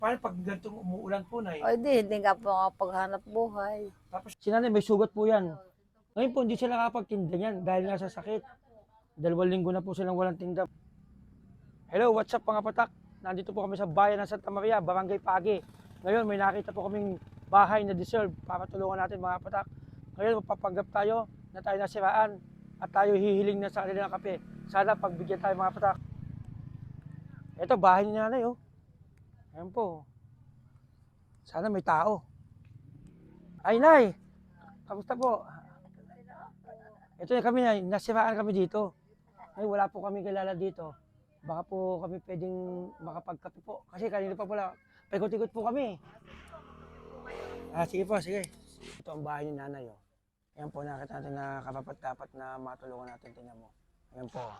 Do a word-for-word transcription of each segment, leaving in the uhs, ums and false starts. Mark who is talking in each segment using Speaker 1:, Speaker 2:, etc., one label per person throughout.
Speaker 1: Paano pag ganitong umuulan po, Nay?
Speaker 2: O di, hindi nga po makapaghanap buhay.
Speaker 1: Tapos si nanay may sugat po yan. Ngayon po, hindi sila nakapagtinda niyan dahil nga sa sakit. Dalawang linggo na po silang walang tinda. Hello, what's up mga patak? Nandito po kami sa bayan ng Santa Maria, Barangay Pagi. Ngayon may nakita po kaming bahay na deserve para tulungan natin mga patak. Ngayon mapapanggap tayo na tayo nasiraan at tayo hihiling na sa kanila ng kape. Sana pagbigyan tayo mga patak. Ito, bahay ni nanay oh. Ayan po. Sana may tao. Ay, Nay! Kamusta po? Ito na kami, Nay. Nasiraan kami dito. Ay, wala po kami kilala dito. Baka po kami pwedeng makapagkape po. Kasi kanina pa pala, paikot-ikot po kami. Ah, sige po, sige. Ito ang bahay ni nanay, oh. Ayan po, nakita natin na kapapat-dapat na matulungan natin. Tingnan mo. Ayan po.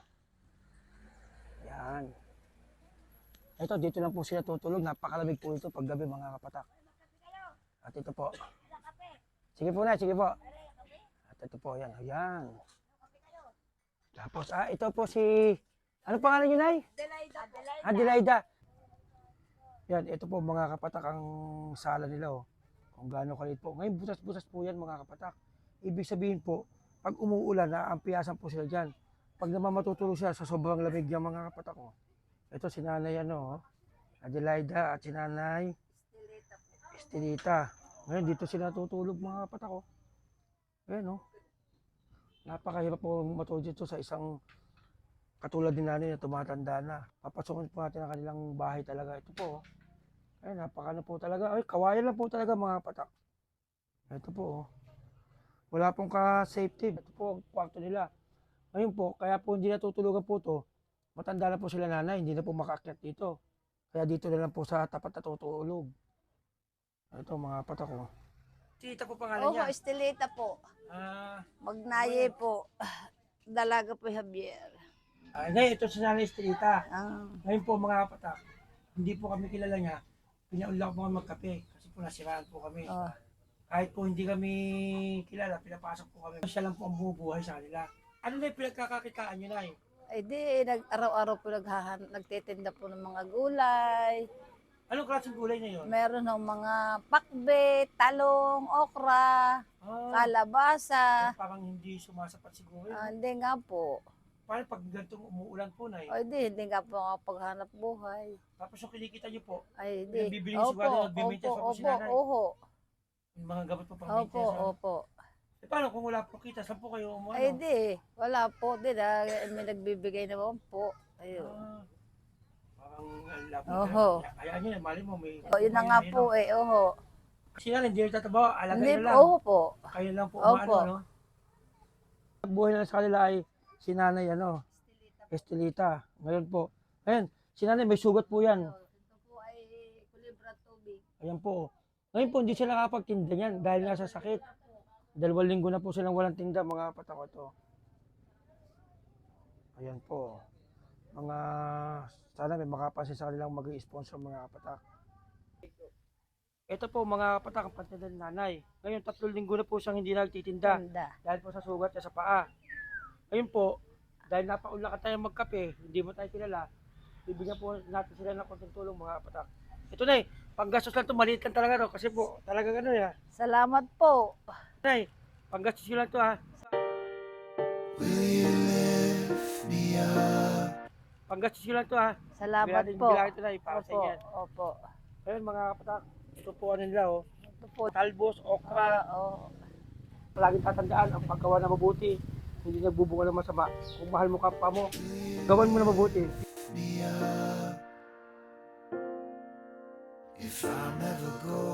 Speaker 1: Ayan. Ito, dito lang po sila tutulog. Napakalamig po ito paggabi mga kapatak. At ito po. Sige po na, sige po. At ito po, yan. Ayan. Tapos, ah, ito po si... Ano pangalan niyo, Nay?
Speaker 2: Adelaida.
Speaker 1: Adelaida. Yan, ito po mga kapatak ang sala nila, oh. Kung gaano kalit po. Ngayon, butas-butas po yan mga kapatak. Ibig sabihin po, pag umuulan, naampiyasan po sila dyan. Pag naman matutulog sila sa sobrang lamig ng mga kapatak, oh. Ito si nanay ano, Adelaida at si nanay Estelita. Ngayon dito sila natutulog mga kapatak ko. Ayan oh. Napakahirap po matulog dito sa isang katulad din nanay na tumatanda na. Papasokin po natin ang kanilang bahay talaga. Ito po oh. Ayan, napakano po talaga. Ay, kawayan lang po talaga mga kapatak. Ito po oh. Wala pong ka-safety. Ito po ang kwarto nila. Ngayon po, kaya po hindi natutulugan po to. Matanda na po sila nanay, hindi na po makaakyat dito. Kaya dito na lang po sa tapat natutulog. Ito mga patak ko. Tita po pangalan
Speaker 2: Oho,
Speaker 1: niya?
Speaker 2: Estelita po.
Speaker 1: Ah,
Speaker 2: Magnaye po. Dalaga po Javier.
Speaker 1: ah, ngayon ito si nanay Estelita.
Speaker 2: Ah.
Speaker 1: Ngayon po mga patak, hindi po kami kilala niya. Pinaunlak po kami magkape kasi po nasiraan po kami.
Speaker 2: Oh.
Speaker 1: Kahit po hindi kami kilala, pinapasok po kami. Siya lang po ang bumubuhay sa kanila. Ano na yung pinagkakakitaan niyo na eh?
Speaker 2: Ay di, nag, araw-araw po naghahan, nagtitinda po ng mga gulay.
Speaker 1: Anong klaseng gulay na yun?
Speaker 2: Meron ng mga pakbe, talong, okra,
Speaker 1: Ah,
Speaker 2: kalabasa.
Speaker 1: parang hindi sumasapat siguro.
Speaker 2: Ah,
Speaker 1: yun.
Speaker 2: hindi nga po.
Speaker 1: Paano pag ganitong umuulan po na eh?
Speaker 2: O di, hindi nga po makapaghanap buhay.
Speaker 1: Tapos yung kinikita niyo po,
Speaker 2: Ay di.
Speaker 1: Bibili niyo siguro, nagbi-maintenance pa po si
Speaker 2: opo,
Speaker 1: nanay.
Speaker 2: oho.
Speaker 1: yung mga gamot po pang
Speaker 2: Opo,
Speaker 1: maintenance. ano?
Speaker 2: opo.
Speaker 1: Eh, paano kung wala po kita? Saan po kayo umuano?
Speaker 2: Ay di, wala po. Di na, may nagbibigay naman po. Ayun.
Speaker 1: Ah, parang ang labo.
Speaker 2: Oho.
Speaker 1: Hayaan niyo na, mali mo may...
Speaker 2: O, yun na nga po eh, oho.
Speaker 1: Kasi yan, hindi rin tatabaw, alagay
Speaker 2: Hindi
Speaker 1: na lang.
Speaker 2: oho po.
Speaker 1: Kayo lang po
Speaker 2: Opo.
Speaker 1: umaano, no? Ang buhay na sa kanila ay si nanay, ano? Estelita. Ngayon po. Ngayon, si nanay may sugat po yan.
Speaker 2: Ito po ay kulibra tubig.
Speaker 1: Ayan po. Ngayon po, hindi sila nakapagtinda niyan dahil nga sa sakit. Dalawang linggo na po silang walang tinda, mga patako to. Ayan po. Mga, sana may makapansin sa kanilang mag-i-sponsor mga kapatak. Ito po mga kapatak, ang patinda ni nanay. Ngayon, tatlong linggo na po siyang hindi nagtitinda
Speaker 2: Ganda.
Speaker 1: dahil po sa sugat niya sa paa. Ngayon po, dahil napaunlakan tayo magkape, hindi mo tayo kilala, bibigyan po natin sila ng konting tulong mga kapatak. Ito na eh, panggastos lang ito, maliit lang talaga to kasi po, talaga gano'n ya.
Speaker 2: Salamat po.
Speaker 1: Nay, panggastos nyo lang ito ha. Panggastos nyo lang ito ha.
Speaker 2: Salamat
Speaker 1: Bilangin-
Speaker 2: po.
Speaker 1: bilangin ito na para sa
Speaker 2: Opo,
Speaker 1: inyo.
Speaker 2: opo.
Speaker 1: Ayun mga kapatak, ito po ano nila oh.
Speaker 2: Ito po.
Speaker 1: Talbos, okra.
Speaker 2: Ah, oh.
Speaker 1: Palaging tatandaan ang paggawa na mabuti. Hindi nagbubunga ng masama. Kung mahal mo kapwa mo, gawan mo na mabuti.
Speaker 3: If I'm ever going